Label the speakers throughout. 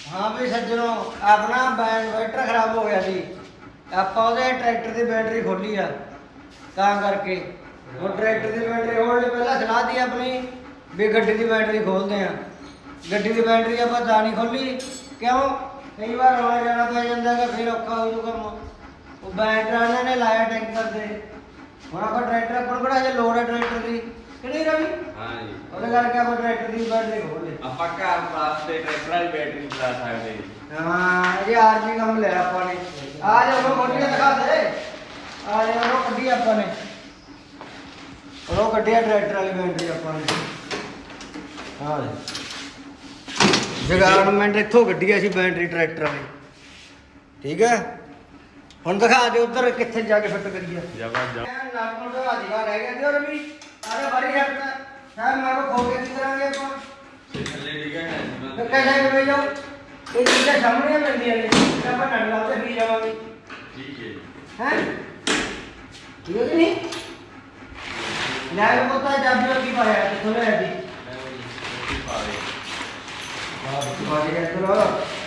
Speaker 1: हाँ भी सज्जनों अपना बैटर खराब हो गया सी ਆਪਾਂ ਉਹਦੇ ਟਰੈਕਟਰ ਦੀ ਬੈਟਰੀ ਖੋਲੀ ਆ ਤਾਂ ਕਰਕੇ ਹੁਣ ਟਰੈਕਟਰ ਦੀ ਬੈਟਰੀ ਖੋਲ੍ਹਣ ਲਈ ਪਹਿਲਾਂ ਸਲਾਹ ਦੀ ਆਪਣੀ ਵੀ ਗੱਡੀ ਦੀ ਬੈਟਰੀ ਖੋਲਦੇ ਆ ਗੱਡੀ ਦੀ ਬੈਟਰੀ ਆਪਾਂ ਤਾਂ ਨਹੀਂ ਖੋਲੀ ਕਿਉਂ ਕਈ ਵਾਰ ਆਉਣਾ ਜਾਣਾ ਪੈ ਜਾਂਦਾ ਕਿ ਫਿਰ ਔਖਾ ਹੋ ਜੂ ਕੰਮ ਉਹ ਬੈਟਰੀ ਇਹਨਾਂ ਨੇ ਲਾਇਆ ਟੈਂਕਰ ਤੇ ਹੁਣ ਆਪਾਂ ਟਰੈਕਟਰ ਆਪਾਂ ਨੂੰ ਕਿਹੜਾ ਜੇ ਲੋੜ ਹੈ ਟਰੈਕਟਰ ਦੀ ਕਿ ਨਹੀਂ ਰਵੀ
Speaker 2: ਹਾਂ ਜੀ
Speaker 1: ਉਹਦੇ ਕਰਕੇ ਆਪਾਂ ਟਰੈਕਟਰ ਦੀ ਬੈਟਰੀ ਖੋਲ੍ਹੇ
Speaker 2: ਆਪਾਂ ਘਰ ਵਾਸਤੇ ਟਰੈਕਟਰ ਵਾਲੀ ਬੈਟਰੀ ਚਲਾ ਸਕਦੇ
Speaker 1: ਹਾਂ ਇਹ ਆਰਜੀ ਕੰਮ ਲਿਆ ਆਪਾਂ ਨੇ ਆ ਜਾ ਉਹ ਮੋਟੀਆਂ ਦਿਖਾ ਦੇ ਆ ਜਾ ਉਹ ਕੱਢੀ ਆਪਾਂ ਨੇ ਉਹ ਕੱਢਿਆ ਟਰੈਕਟਰ ਵਾਲੀ ਬੈਟਰੀ ਆਪਾਂ ਨੇ ਹਾਂ ਜਗਾਰਮੈਂਟ ਇੱਥੋਂ ਕੱਢੀ ਸੀ ਬੈਟਰੀ ਟਰੈਕਟਰ ਵਾਲੀ ਠੀਕ ਹੈ ਹੁਣ ਦਿਖਾ ਦੇ ਉੱਧਰ ਕਿੱਥੇ ਜਾ ਕੇ ਫਿੱਟ ਕਰੀਏ
Speaker 2: ਜਬਰਦਸਤ
Speaker 1: ਨਾਰਮਲ ਦਾ ਅਧਿਕਾਰ ਰਹਿ ਗਿਆ ਤੇ ਹੋਰ ਵੀ ਆਰੇ ਬਾਰੀ ਹਟਦਾ ਸਾਹ ਮਾਰੋ ਖੋ ਕੇ ਕੀ ਕਰਾਂਗੇ ਆਪਾਂ
Speaker 2: ਥੱਲੇ ਡਿੱਗਾ ਹੈ
Speaker 1: तो कैसे करें जाओ ये चीज़ें सामने मिल रही है जब अपन नडला से भी जाओगे
Speaker 2: ਠੀਕ ਹੈ
Speaker 1: हैं ठीक है कि नहीं लाइव होता है जब भी की पाया तो थोड़े है जी
Speaker 2: ਰੋਟੀ ਪਾ ਦੇ
Speaker 1: हां बात है करो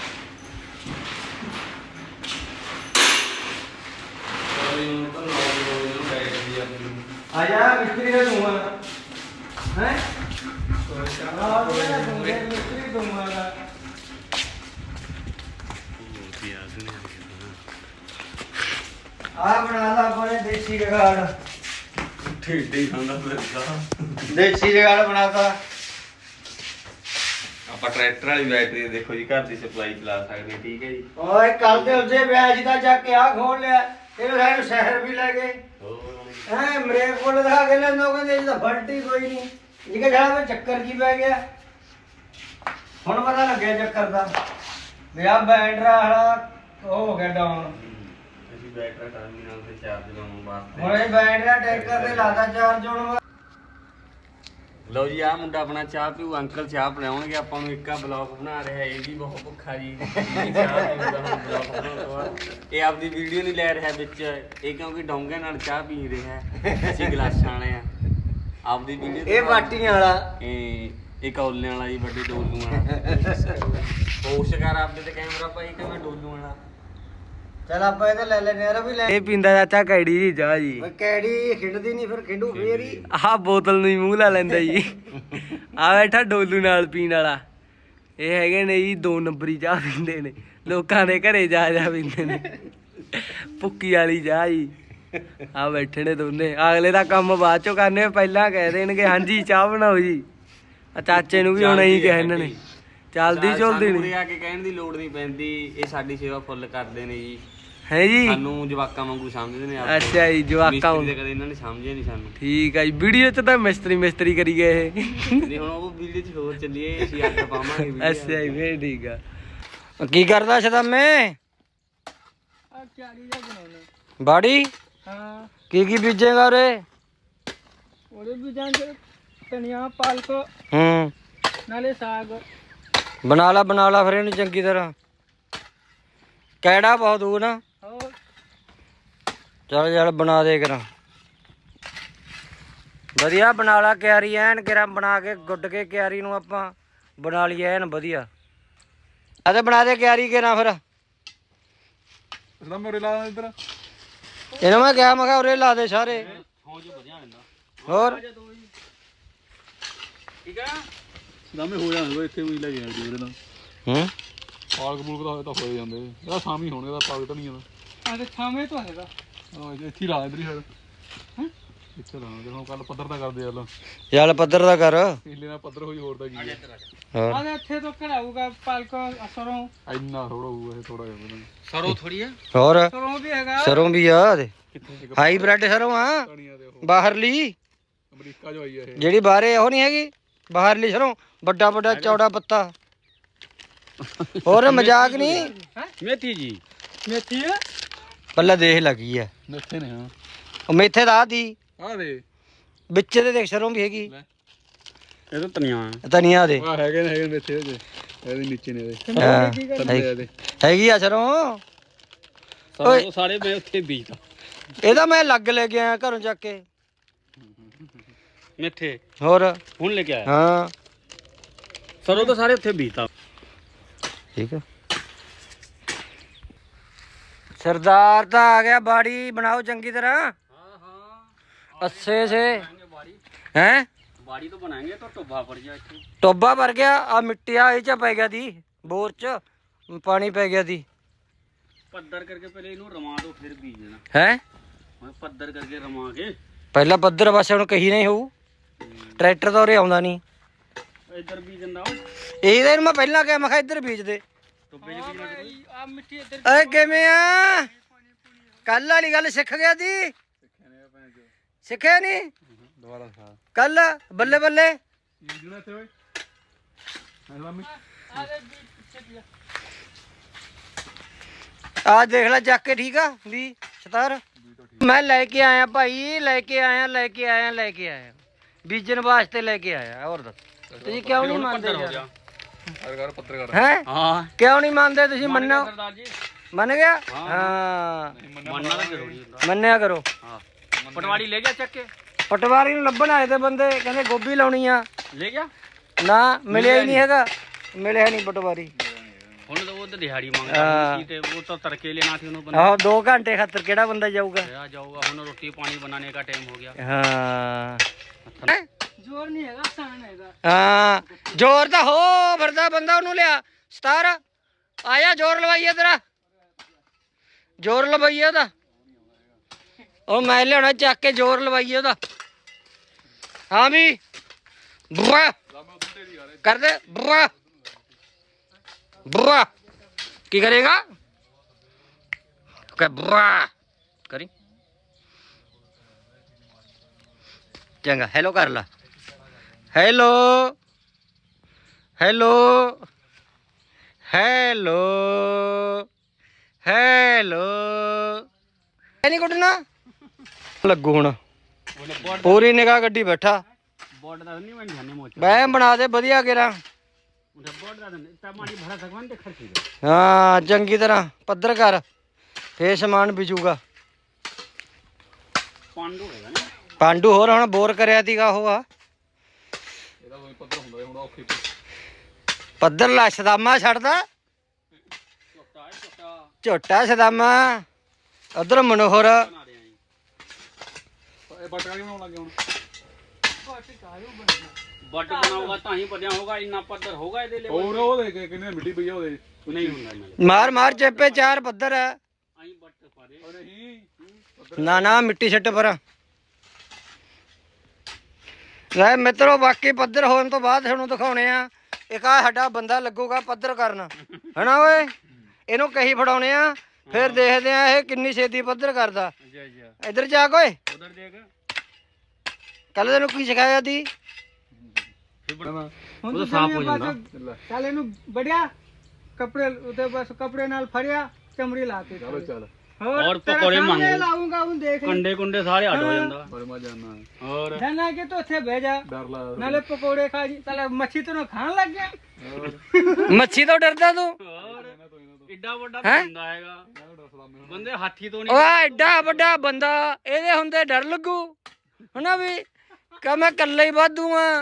Speaker 2: ਕੋਈ ਨੂੰ ਤਾਂ ਲੋੜ ਨੂੰ ਬੈਟਰੀ ਆਪਣੀ
Speaker 1: आजा मिस्त्री का दूंगा हैं
Speaker 2: ਕੋਈ
Speaker 1: हां मिस्त्री दूंगा आ बना ला अपने देसी जुगाड़
Speaker 2: ਢੇਡੇ ਖਾਂਦਾ ਫਿਰਦਾ
Speaker 1: देसी जुगाड़ बनाता
Speaker 2: ਆਪਾਂ ਟਰੈਕਟਰ ਵਾਲੀ ਬੈਟਰੀ ਦੇਖੋ ਜੀ ਘਰ ਦੀ ਸਪਲਾਈ ਚਲਾ ਸਕਦੇ ਹਾਂ ਠੀਕ ਹੈ ਜੀ
Speaker 1: ओए कल दे उसे ब्याज का जाके आ खोल लिया ये सारे शहर भी ले गए हैं मेरे को दिखा के ले लोगों ने तो फलटी कोई नहीं जिके जड़ा में चक्कर की पै गया हुन पता लग गया चक्कर दा भी आ बैटरी वाला हो गया डाउन
Speaker 2: ਅਸੀਂ ਬੈਟਰੀ ਟਰਮੀਨਲ ਤੇ ਚਾਰਜ ਲਾਉਣ ਵਾਸਤੇ
Speaker 1: ਹੁਣ ਇਹ ਬੈਟਰੀ ਟੈਂਕਰ ਤੇ ਲਾਦਾ ਚਾਰਜ ਹੋਣ
Speaker 2: ਲਓ ਜੀ ਆ ਮੁੰਡਾ ਆਪਣਾ ਚਾਹ ਪੀਊ ਅੰਕਲ ਚਾਹ ਪਿਲਾਉਣਗੇ ਆਪਾਂ ਨੂੰ ਇੱਕਾ ਬਲੌਗ ਬਣਾ ਰਿਹਾ ਇਹ ਵੀ ਬਹੁਤ ਭੁੱਖਾ ਜੀ ਇਹ ਚਾਹ ਪੀਊਗਾ ਹੁਣ ਬਲੌਗ ਬਣਾਉਣ ਤੋਂ ਬਾਅਦ ਇਹ ਆਪਦੀ ਵੀਡੀਓ ਨਹੀਂ ਲੈ ਰਿਹਾ ਵਿੱਚ ਇਹ ਕਿਉਂਕਿ ਡੋਂਗੇ ਨਾਲ ਚਾਹ ਪੀ ਰਿਹਾ ਅਸੀਂ ਗਲਾਸਾਂ ਵਾਲੇ ਆ ਆਪਦੀ ਵੀਡੀਓ
Speaker 1: ਇਹ ਬਾਟੀਆਂ ਵਾਲਾ
Speaker 2: ਇਹ ਕੌਲਿਆਂ ਵਾਲਾ ਜੀ ਵੱਡੇ ਡੋਲੂ ਵਾਲਾ ਹੋਸ਼ ਕਰ ਆਪਦੇ ਤੇ ਕੈਮਰਾ ਪਾਈ ਕਿ ਮੈਂ ਡੋਲੂ ਵਾਲਾ
Speaker 1: ਚਲ ਆਪਾਂ ਇਹ ਤਾਂ ਲੈ ਲੈਨੇ ਯਾਰ ਵੀ ਲੈ
Speaker 3: ਇਹ ਪੀਂਦਾ ਚਾਚਾ ਕੈੜੀ ਦੀ ਚਾਹ ਜੀ
Speaker 1: ਓਏ ਕੈੜੀ ਖਿੰਡਦੀ ਨਹੀਂ ਫਿਰ ਖਿੰਡੂ ਫੇਰ ਹੀ
Speaker 3: ਆਹ ਬੋਤਲ ਨੂੰ ਹੀ ਮੂੰਹ ਲਾ ਲੈਂਦਾ ਜੀ ਆ ਬੈਠਾ ਡੋਲੂ ਨਾਲ ਪੀਣ ਵਾਲਾ ਇਹ ਹੈਗੇ ਨੇ ਜੀ 2 ਨੰਬਰੀ ਚਾਹ ਪੀਂਦੇ ਨੇ ਲੋਕਾਂ ਦੇ ਘਰੇ ਜਾ ਜਾ ਪੀਂਦੇ ਨੇ ਭੁੱਕੀ ਵਾਲੀ ਚਾਹ ਜੀ ਆ ਬੈਠੇ ਨੇ ਦੋਨੇ ਅਗਲੇ ਦਾ ਕੰਮ ਬਾਅਦ ਚੋਂ ਕਰਨੇ ਪਹਿਲਾਂ ਕਹਿ ਦੇਣਗੇ ਹਾਂਜੀ ਚਾਹ ਬਣਾਓ ਜੀ ਆ ਚਾਚੇ ਨੂੰ ਵੀ ਹੁਣ ਇਹੀ ਕਿਹਾ ਇਹਨਾਂ ਨੇ ਚੱਲਦੀ ਚੁਲਦੀ
Speaker 2: ਨਹੀਂ
Speaker 3: ਨਹੀਂ
Speaker 2: ਆ ਕੇ ਕਹਿਣ ਦੀ ਲੋੜ ਨਹੀਂ ਪੈਂਦੀ ਇਹ ਸਾਡੀ ਸੇਵਾ ਫੁੱਲ ਕਰਦੇ ਨੇ ਜੀ
Speaker 3: ਹੈ ਜੀ
Speaker 2: ਸਾਨੂੰ ਜਵਾਕਾਂ ਵਾਂਗੂ ਸਮਝਦੇ ਨੇ
Speaker 3: ਅੱਛਾ ਜੀ ਜਵਾਕਾਂ
Speaker 2: ਮਿਸਤਰੀ ਦੇ ਕਦੇ ਇਹਨਾਂ ਨੇ ਸਮਝਿਆ ਨਹੀਂ ਸਾਨੂੰ
Speaker 3: ਠੀਕ ਆ ਜੀ ਵੀਡੀਓ ਚ ਤਾਂ ਮਿਸਤਰੀ ਕਰੀ ਗਏ ਇਹ
Speaker 2: ਨਹੀਂ ਹੁਣ ਉਹ ਵੀਡੀਓ 'ਚ ਹੋਰ ਚੱਲੀਏ ਅਸੀਂ ਅੱਡ ਪਾਵਾਂਗੇ ਵੀਡੀਓ
Speaker 3: ਅੱਛਾ ਜੀ ਫੇਰ ਠੀਕ ਆ ਕੀ ਕਰਦਾ ਸ਼ਦਮੇ
Speaker 1: ਆ ਕਿਆੜੀ ਜਾ ਬਣਾਉਣੇ
Speaker 3: ਬਾੜੀ
Speaker 1: ਹਾਂ
Speaker 3: ਕੀ ਬੀਜੇਗਾ ਉਰੇ
Speaker 1: ਉਹਦੇ ਵੀ ਜਾਂਦੇ ਧਨੀਆ ਪਾਲਕ
Speaker 3: ਹੂੰ
Speaker 1: ਨਾਲੇ ਸਾਗ
Speaker 3: ਬਣਾ ਲਾ ਫਿਰ ਇਹਨੂੰ ਚੰਗੀ ਤਰ੍ਹਾਂ ਕਿਹੜਾ ਬਹੁਤ ਦੂਰ ਨਾ
Speaker 1: ਹੋਰ
Speaker 3: ਚੱਲ ਬਣਾ ਦੇ ਕਰਾਂ ਵਧੀਆ ਬਣਾ ਲਾ ਕਿਆਰੀ ਐਨ ਕਿਰਾਂ ਬਣਾ ਕੇ ਗੁੱਡ ਕੇ ਕਿਆਰੀ ਨੂੰ ਆਪਾਂ ਬਣਾ ਲਈ ਐਨ ਵਧੀਆ ਆ ਤੇ ਬਣਾ ਦੇ ਕਿਆਰੀ ਕਿਰਾਂ ਫਿਰ
Speaker 4: ਉਰੇ ਲਾ ਇੱਧਰ
Speaker 3: ਇਹਨਾਂ ਮੈਂ ਕਿਹਾ ਉਰੇ ਲਾ ਦੇ ਸਾਰੇ ਹੋਰ
Speaker 2: ਠੀਕ ਆ
Speaker 4: ਸਾਹਮਣੇ ਹੋ ਜਾਣਾ ਇੱਥੇ ਵੀ ਲੈ ਗਿਆ ਜੀ ਉਹਦੇ ਨਾਲ
Speaker 3: ਹੂੰ
Speaker 4: ਪਾਲਕ ਪੂਲਕ ਦਾ ਹੋਏ ਤਾਂ ਹੋਏ ਜਾਂਦੇ ਇਹਦਾ ਸਾਮੀ ਹੋਣੇ ਦਾ ਪਾਲਕ ਤਾਂ ਨਹੀਂ ਇਹਦਾ
Speaker 1: ਆ ਤੇ ਥਾਵੇਂ ਤੋਂ ਹੈਗਾ
Speaker 4: ਇੱਥੇ ਹੀ ਲਾ ਇਧਰ ਹੀ ਹੈ ਇੱਥੇ ਲਾ ਦੇ ਹੁਣ ਕੱਲ ਪੱਧਰ ਦਾ ਕਰਦੇ ਯਾਰ
Speaker 3: ਚੱਲ ਪੱਧਰ ਦਾ ਕਰ
Speaker 4: ਪਿਛਲੇ ਨਾਲ ਪੱਧਰ ਹੋਈ ਹੋਰ ਤਾਂ ਕੀ ਹੈ
Speaker 3: ਹੋਰ
Speaker 1: ਆ ਇੱਥੇ ਤੋਂ ਘੜਾਊਗਾ ਪਾਲਕ ਸਰੋਂ
Speaker 4: ਇੰਨਾ ਥੋੜਾ ਹੋਊਗਾ ਇਹ ਥੋੜਾ ਜਿਹਾ
Speaker 2: ਸਰੋ ਥੋੜੀ ਆ
Speaker 3: ਹੋਰ
Speaker 1: ਸਰੋਂ ਵੀ ਹੈਗਾ
Speaker 3: ਸਰੋਂ ਵੀ ਆ ਦੇ ਹਾਈਬ੍ਰਿਡ ਸਰੋਂ ਆ
Speaker 4: ਕਣੀਆਂ ਦੇ ਉਹ
Speaker 3: ਬਾਹਰਲੀ
Speaker 4: ਅਮਰੀਕਾ ਜੋ ਆਈ ਹੈ ਇਹ
Speaker 3: ਜਿਹੜੀ ਬਾਹਰੇ ਉਹ ਨਹੀਂ ਹੈਗੀ ਬਾਹਰਲੀ ਸਰੋਂ ਵੱਡਾ ਚੌੜਾ ਪੱਤਾ ਹੋਰ ਮਜ਼ਾਕ ਨਹੀਂ
Speaker 2: ਮੇਥੀ ਜੀ
Speaker 1: ਮੇਥੀ ਹੈ
Speaker 3: ਪੱਲਾ ਦੇਖ ਲੱਗੀ ਆ
Speaker 4: ਮੇਥੇ ਨੇ ਹਾਂ
Speaker 3: ਉਹ ਮੇਥੇ ਦਾ ਦੀ
Speaker 4: ਆ ਦੇ
Speaker 3: ਵਿੱਚ ਤੇ ਦੇਖ ਸਰੋਂ ਵੀ ਹੈਗੀ
Speaker 2: ਇਹ ਤਾਂ ਧਨੀਆ
Speaker 3: ਧਨੀਆ ਦੇ
Speaker 4: ਆ ਹੈਗੇ ਮੇਥੇ ਉਹਦੇ ਇਹਦੇ ਨੀਚੇ ਨੇ ਇਹਦੇ
Speaker 3: ਹਾਂ,
Speaker 4: ਥੱਲੇ ਇਹਦੇ
Speaker 3: ਹੈਗੀ ਆ ਸਰੋਂ
Speaker 2: ਸਰੋ ਸਾਰੇ ਬੇ ਉੱਥੇ ਬੀਜਦਾ
Speaker 3: ਇਹਦਾ ਮੈਂ ਲੱਗ ਲੈ ਕੇ ਆਇਆ ਘਰੋਂ ਚੱਕ ਕੇ
Speaker 2: ਮੇਥੇ
Speaker 3: ਹੋਰ
Speaker 2: ਹੁਣ ਲੈ ਕੇ ਆਇਆ
Speaker 3: ਹਾਂ
Speaker 2: ਸਰੋ ਤਾਂ ਸਾਰੇ ਉੱਥੇ ਬੀਜਦਾ
Speaker 1: ਠੀਕ ਹੈ। ਸਰਦਾਰ ਤਾਂ ਆ ਗਿਆ, ਬਾੜੀ ਬਣਾਓ ਚੰਗੀ ਤਰ੍ਹਾਂ।
Speaker 2: हाँ हाँ
Speaker 1: ਅੱਛੇ ਸੇ
Speaker 2: बाड़ी
Speaker 1: ਹੈ।
Speaker 2: बाड़ी तो बनाएंगे तो टोबा पड़ जाए इत्थे।
Speaker 1: ਟੋਬਾ ਭਰ ਗਿਆ, ਆ ਮਿੱਟੀ ਆ ਇਹ ਚ ਪੈ ਗਿਆ ਦੀ, ਬੋਰ ਚ ਪਾਣੀ ਪੈ ਗਿਆ ਦੀ
Speaker 2: पत्थर करके पहले इन्हों रमा दो फिर बीज देना।
Speaker 1: ਹੈ।
Speaker 2: मैं पत्थर करके रमा के
Speaker 1: ਪਹਿਲਾਂ ਪੱਧਰ ਬਸ ਹੁਣ ਕਹੀ ਨਹੀਂ ਹੋਊ, ਟਰੈਕਟਰ ਤਾਂ ਉਰੇ ਆਉਂਦਾ ਨਹੀਂ।
Speaker 2: इधर बीज देना हो
Speaker 1: ਇਹਦੇ ਨੂੰ ਮੈਂ ਪਹਿਲਾਂ ਕਿਹਾ, ਮੈਂ ਕਿਹਾ ਇੱਧਰ ਬੀਜ ਦੇ।
Speaker 2: टोबे च बीजना जरूरी।
Speaker 3: ਆ ਮਿੱਟੀ ਇੱਧਰ
Speaker 1: ਓਏ ਕਿਵੇਂ ਆ? ਕੱਲ ਵਾਲੀ ਗੱਲ ਸਿੱਖ ਗਿਆ ਦੀ, ਸਿੱਖਿਆ ਨਹੀਂ
Speaker 4: ਦੁਬਾਰਾ ਖਾ
Speaker 1: ਕੱਲ? ਬੱਲੇ ਬੱਲੇ।
Speaker 4: ਇਹ ਜੁਣਾ ਤੇ ਓਏ ਮੰਮੀ
Speaker 1: ਆ ਦੇਖ ਲੈ ਚੱਕ ਕੇ, ਠੀਕ ਆ ਵੀ ਸਤਾਰ। ਮੈਂ ਲੈ ਕੇ ਆਇਆ ਭਾਈ, ਲੈ ਕੇ ਆਇਆ ਬੀਜਣ ਵਾਸਤੇ ਲੈ ਕੇ ਆਇਆ। ਹੋਰ ਦੱਸ ਤੁਸੀਂ ਕਿਉਂ ਨਹੀਂ ਮੰਨਦੇ
Speaker 2: हो
Speaker 1: ਯਾਰ?
Speaker 2: गया
Speaker 4: ਅਰਗਰ ਪੱਤਰਕਾਰ
Speaker 1: ਹੈ
Speaker 2: हाँ
Speaker 1: ਕਿਉਂ ਨਹੀਂ ਮੰਨਦੇ ਤੁਸੀਂ? ਮੰਨੋ।
Speaker 2: सरदार जी
Speaker 1: ਮੰਨ ਗਿਆ?
Speaker 2: ਹਾਂ।
Speaker 1: ਹਾਂ
Speaker 2: मानना तो जरूरी होता
Speaker 1: ਮੰਨਿਆ ਕਰੋ।
Speaker 2: हाँ पटवारी ले गया चक के
Speaker 1: ਪਟਵਾਰੀ ਨੂੰ ਲੱਭਣ ਆਏ ਤੇ ਬੰਦੇ, ਕਹਿੰਦੇ ਗੋਭੀ ਲਾਉਣੀ ਆ।
Speaker 2: ले गया
Speaker 1: ਨਾ ਮਿਲਿਆ ਹੀ ਨਹੀਂ ਹੈਗਾ, ਮਿਲਿਆ ਨਹੀਂ ਪਟਵਾਰੀ।
Speaker 2: ਹੁਣ ਤਾਂ ਉਹ ਤਾਂ ਦਿਹਾੜੀ ਮੰਗ
Speaker 1: ਹਾਂ।
Speaker 2: ਰਿਹਾ ਸੀ ਤੇ ਉਹ ਤਾਂ ਤੜਕੇ ਲੈਣਾ ਸੀ ਉਹਨੂੰ ਬੰਦਾ
Speaker 1: ਆਹੋ 2 ਘੰਟੇ ਖਾਤਰ ਕਿਹੜਾ ਬੰਦਾ ਜਾਊਗਾ?
Speaker 2: ਆ ਜਾਊਗਾ ਹੁਣ ਰੋਟੀ ਪਾਣੀ ਬਣਾने का टाइम हो गया
Speaker 1: ਹਾਂ
Speaker 3: ਜ਼ੋਰ ਨਹੀਂ ਹੈਗਾ, ਆਸਾਨ ਹੈਗਾ।
Speaker 1: ਹਾਂ ਜ਼ੋਰ ਤਾਂ ਹੋ ਫਿਰਦਾ ਬੰਦਾ, ਉਹਨੂੰ ਲਿਆ ਸਤਾਰ ਆਇਆ, ਜ਼ੋਰ ਲਵਾਈਏ ਤੇਰਾ, ਜ਼ੋਰ ਲਵਾਈਏ ਉਹਦਾ। ਉਹ ਮੈਂ ਲਿਆਉਣਾ ਚੱਕ ਕੇ, ਜ਼ੋਰ ਲਵਾਈਏ ਉਹਦਾ। ਹਾਂ ਵੀ ਬੁਆ ਕਰ ਦੇ, ਬੁਆ ਬੁਆ ਕੀ ਕਰੇਗਾ? ਕਿ ਬੁਆ ਕਰੀ ਚੰਗਾ। ਹੈਲੋ ਕਰ ਲਾ, ਹੈਲੋ ਹੈਲੋ ਹੈਲੋ ਹੈਲੋ। ਨਹੀਂ ਕੁੱਟਣਾ ਲੱਗੂ ਹੁਣ, ਪੂਰੀ ਨਿਗਾਹ ਗੱਡੀ ਬੈਠਾ।
Speaker 2: ਬੋਰਡ ਦਾ ਨਹੀਂ ਮੈਂ ਜਾਣੇ ਮੋਚ
Speaker 1: ਬੈ ਬਣਾ ਦੇ ਵਧੀਆ ਗੇਰਾ।
Speaker 2: ਉਹਦਾ ਬੋਰਡ ਦਾ ਤਾਂ ਮਾੜੀ ਭਰਾ ਸਕਵਾਂ ਤੇ ਖਰਚੀ
Speaker 1: ਹਾਂ ਚੰਗੀ ਤਰ੍ਹਾਂ ਪੱਧਰ ਕਰ, ਫੇਰ ਸਮਾਨ ਵਿਚੂਗਾ।
Speaker 2: ਪਾਂਡੂ ਹੋਏਗਾ ਨਾ
Speaker 1: ਪਾਂਡੂ ਹੋਰ ਹੁਣ ਬੋਰ ਕਰਿਆ ਤੀਗਾ ਉਹ ਆ
Speaker 4: ਇਹਦਾ ਕੋਈ ਪੱਤਰ ਹੁੰਦਾ ਹੁਣ ਔਖੀ
Speaker 1: ਪੱਧਰ ਲਾ, ਸਦਾਮਾ ਛੱਡਦਾ
Speaker 2: ਛੋਟਾ ਹੈ ਛੋਟਾ
Speaker 1: ਝੋਟਾ ਸਦਾਮਾ। ਉਧਰ ਮਨੋਹਰ
Speaker 2: ਬਣਾ ਰਹੇ ਆਂ
Speaker 4: ਇਹ ਬਟਕਾ ਨਹੀਂ ਬਣਾਉਣ ਲੱਗੇ ਹੁਣ
Speaker 2: ਬੱਟ ਬਣਾਊਗਾ ਤਾਂ ਹੀ ਵਧਿਆ ਹੋਗਾ, ਇੰਨਾ ਪੱਧਰ ਹੋਗਾ ਇਹਦੇ ਲਈ
Speaker 4: ਹੋਰ ਉਹ ਦੇ ਕਿੰਨੇ ਮਿੱਟੀ ਪਈ ਆ ਉਹਦੇ
Speaker 2: ਨਹੀਂ ਹੁੰਦਾ ਨਾਲੇ
Speaker 1: ਮਾਰ ਮਾਰ ਚੇਪੇ 4 ਪੱਧਰ ਆ।
Speaker 2: ਆਈ ਬੱਟ ਪਾ ਦੇ
Speaker 4: ਉਹ ਨਹੀਂ
Speaker 1: ਨਾ ਨਾ ਮਿੱਟੀ ਛੱਟ ਪਰ ਲੈ ਮਿੱਤਰੋ। ਬਾਕੀ ਪੱਧਰ ਹੋਣ ਤੋਂ ਬਾਅਦ ਤੁਹਾਨੂੰ ਦਿਖਾਉਣੇ ਆ। ਇੱਕ ਆ ਸਾਡਾ ਬੰਦਾ ਲੱਗੂਗਾ ਪੱਧਰ ਕਰਨ, ਹਨਾ ਓਏ? ਇਹਨੂੰ ਕਹੀ ਫੜਾਉਣੇ ਆ, ਫਿਰ ਦੇਖਦੇ ਆ ਇਹ ਕਿੰਨੀ ਛੇਤੀ ਪੱਧਰ ਕਰਦਾ।
Speaker 2: ਅੱਛਾ ਅੱਛਾ
Speaker 1: ਇੱਧਰ ਜਾ ਓਏ,
Speaker 2: ਉਧਰ ਦੇਖ
Speaker 1: ਕੱਲ ਤੈਨੂੰ ਕੀ ਸਿਖਾਇਆ ਦੀ?
Speaker 2: ਉਹ ਤਾਂ ਸਾਫ਼ ਹੋ ਜਾਂਦਾ
Speaker 3: ਚੱਲ ਇਹਨੂੰ ਬੜਿਆ ਕੱਪੜੇ ਉਤੇ, ਬਸ ਕੱਪੜੇ ਨਾਲ ਫੜਿਆ, ਚਮੜੀ ਲਾਤੀ।
Speaker 4: ਚਲੋ ਚੱਲ
Speaker 2: ਔਰ ਪਕੌੜੇ ਮੰਗ
Speaker 3: ਲਾਉਂਗਾ ਹੁਣ ਦੇਖ
Speaker 2: ਕੰਡੇ ਕੁੰਡੇ ਸਾਰੇ ਅੱਡ ਹੋ ਜਾਂਦਾ
Speaker 4: ਬੜੇ ਮਜ਼ਾ ਆਣਾ
Speaker 2: ਹੋਰ
Speaker 3: ਜਾਨਾ ਕਿ ਤੂੰ ਉੱਥੇ ਬਹਿ ਜਾ,
Speaker 4: ਡਰ ਲਾ
Speaker 3: ਨਾਲੇ ਪਕੌੜੇ ਖਾ ਜੀ। ਚੱਲ ਮੱਛੀ ਤੈਨੂੰ ਖਾਣ ਲੱਗ ਗਿਆ।
Speaker 1: ਮੱਛੀ ਤੋਂ ਡਰਦਾ ਤੂੰ?
Speaker 2: ਹੋਰ ਏਡਾ ਵੱਡਾ
Speaker 1: ਹੈਂ?
Speaker 2: ਹੁੰਦਾ ਹੈਗਾ ਬੰਦੇ ਹਾਥੀ ਤੋਂ
Speaker 1: ਓ
Speaker 2: ਨਹੀਂ
Speaker 1: ਐਡਾ ਵੱਡਾ ਬੰਦਾ, ਇਹਦੇ ਹੁੰਦੇ ਡਰ ਲੱਗੂ, ਹਨਾ ਵੀ? ਕਹ ਮੈਂ ਇਕੱਲਾ ਹੀ ਵਾਧੂ ਆ।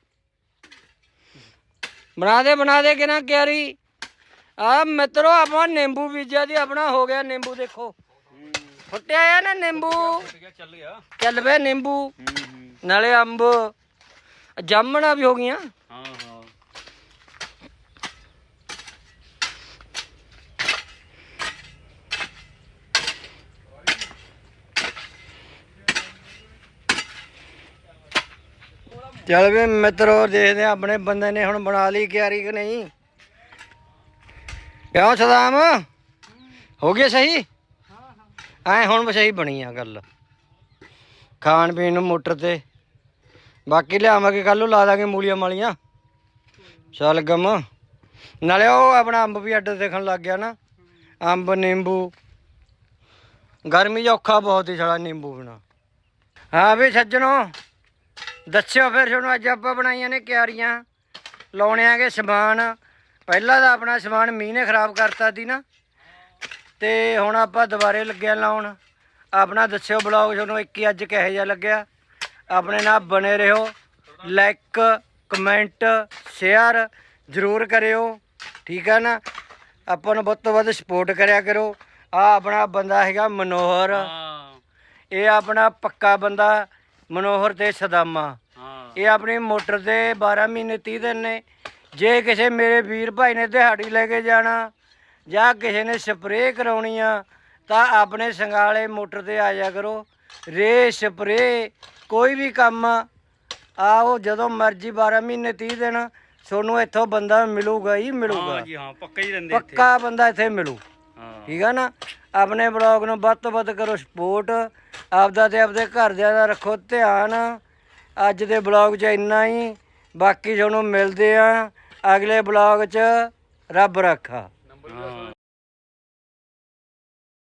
Speaker 1: ਬਣਾ ਦੇ ਕਿ ਨਾ ਕਿਆਰੀ। ਆ ਮਿੱਤਰੋ ਆਪਾਂ ਨਿੰਬੂ ਬੀਜਿਆ ਦੀ, ਆਪਣਾ ਹੋ ਗਿਆ ਨਿੰਬੂ। ਦੇਖੋ ਫੁੱਟਿਆ ਆ ਨਾ ਨਿੰਬੂ,
Speaker 2: ਚੱਲ ਗਿਆ
Speaker 1: ਚੱਲ ਵੇ ਨਿੰਬੂ, ਨਾਲੇ ਅੰਬ, ਜਾਮਣਾ ਵੀ ਹੋ ਗਈਆਂ।
Speaker 2: ਹਾਂ ਹਾਂ
Speaker 1: ਚੱਲ ਵੀ ਮਿੱਤਰੋ ਦੇਖਦੇ ਆ ਆਪਣੇ ਬੰਦੇ ਨੇ ਹੁਣ ਬਣਾ ਲਈ ਕਿਆਰੀ ਕਿ ਨਹੀਂ। ਕਿਉਂ ਸਦਾਮ ਹੋ ਗਿਆ ਸਹੀ? ਐ ਹੁਣ ਸਹੀ ਬਣੀ ਆ ਗੱਲ। ਖਾਣ ਪੀਣ ਨੂੰ ਮੋਟਰ ਤੇ, ਬਾਕੀ ਲਿਆਵਾਂਗੇ ਕੱਲ ਨੂੰ, ਲਾ ਦਾਂਗੇ ਮੂਲੀਆਂ ਮਾਲੀਆਂ, ਸ਼ਲਗਮ। ਨਾਲੇ ਉਹ ਆਪਣਾ ਅੰਬ ਵੀ ਅੱਡ ਦੇਖਣ ਲੱਗ ਗਿਆ ਨਾ, ਅੰਬ ਨਿੰਬੂ। ਗਰਮੀ 'ਚ ਔਖਾ ਬਹੁਤ ਹੀ ਸਾਲਾ ਨਿੰਬੂ ਬਿਨਾ। ਹਾਂ ਵੀ ਸੱਜਣੋ ਦੱਸਿਓ ਫਿਰ ਤੁਹਾਨੂੰ, ਅੱਜ ਆਪਾਂ ਬਣਾਈਆਂ ਨੇ ਕਿਆਰੀਆਂ, ਲਾਉਣੇ ਆਗੇ ਸਮਾਨ। ਪਹਿਲਾਂ ਤਾਂ ਆਪਣਾ ਸਮਾਨ ਮੀਂਹ ਨੇ ਖਰਾਬ ਕਰਤਾ ਸੀ ਨਾ, ਤੇ ਹੁਣ ਆਪਾਂ ਦੁਬਾਰੇ ਲੱਗਿਆ ਲਾਉਣ। ਆਪਣਾ ਦੱਸਿਓ ਬਲੌਗ ਤੁਹਾਨੂੰ ਇੱਕ ਹੀ ਅੱਜ ਕਿਹੋ ਜਿਹਾ ਲੱਗਿਆ। ਆਪਣੇ ਨਾਲ ਬਣੇ ਰਹੋ, ਲਾਈਕ ਕਮੈਂਟ ਸ਼ੇਅਰ ਜ਼ਰੂਰ ਕਰਿਓ, ਠੀਕ ਹੈ ਨਾ? ਆਪਾਂ ਨੂੰ ਵੱਧ ਤੋਂ ਵੱਧ ਸਪੋਰਟ ਕਰਿਆ ਕਰੋ। ਆ ਆਪਣਾ ਬੰਦਾ ਹੈਗਾ ਮਨੋਹਰ,
Speaker 2: ਹਾਂ
Speaker 1: ਇਹ ਆਪਣਾ ਪੱਕਾ ਬੰਦਾ ਮਨੋਹਰ ਤੇ ਸਦਾਮਾ।
Speaker 2: ਹਾਂ
Speaker 1: ਇਹ ਆਪਣੀ ਮੋਟਰ ਤੇ 12 ਮਹੀਨੇ 30 ਦਿਨ ਨੇ। ਜੇ ਕਿਸੇ ਮੇਰੇ ਵੀਰ ਭਾਈ ਨੇ ਦਿਹਾੜੀ ਲੈ ਕੇ ਜਾਣਾ ਜਾਂ ਕਿਸੇ ਨੇ ਸਪਰੇਅ ਕਰਾਉਣੀ ਆ ਤਾਂ ਆਪਣੇ ਸੰਗਾਲੇ ਮੋਟਰ ਤੇ ਆ ਜਾ ਕਰੋ। ਰੇ ਸਪਰੇਅ ਕੋਈ ਵੀ ਕੰਮ ਆਓ ਜਦੋਂ ਮਰਜ਼ੀ 12 ਮਹੀਨੇ 30 ਦਿਨ ਤੁਹਾਨੂੰ ਇੱਥੋਂ ਬੰਦਾ ਮਿਲੂਗਾ ਹੀ ਮਿਲੂਗਾ।
Speaker 2: ਹਾਂ ਜੀ ਹਾਂ ਪੱਕਾ ਹੀ ਰਹਿੰਦੇ ਇੱਥੇ।
Speaker 1: ਪੱਕਾ ਬੰਦਾ ਇੱਥੇ ਮਿਲੂ।
Speaker 2: ਹਾਂ
Speaker 1: ਠੀਕ ਆ ਨਾ। ਆਪਣੇ ਬਲੌਗ ਨੂੰ ਵੱਧ ਤੋਂ ਵੱਧ ਕਰੋ ਸਪੋਰਟ। ਆਪਦਾ ਤੇ ਆਪਦੇ ਘਰਦਿਆਂ ਦਾ ਰੱਖੋ ਧਿਆਨ। ਅੱਜ ਦੇ ਬਲੌਗ 'ਚ ਇੰਨਾ ਹੀ। ਬਾਕੀ ਤੁਹਾਨੂੰ ਮਿਲਦੇ ਆ ਅਗਲੇ ਬਲੌਗ 'ਚ। ਰੱਬ ਰੱਖਾ।
Speaker 2: ਹਾਂ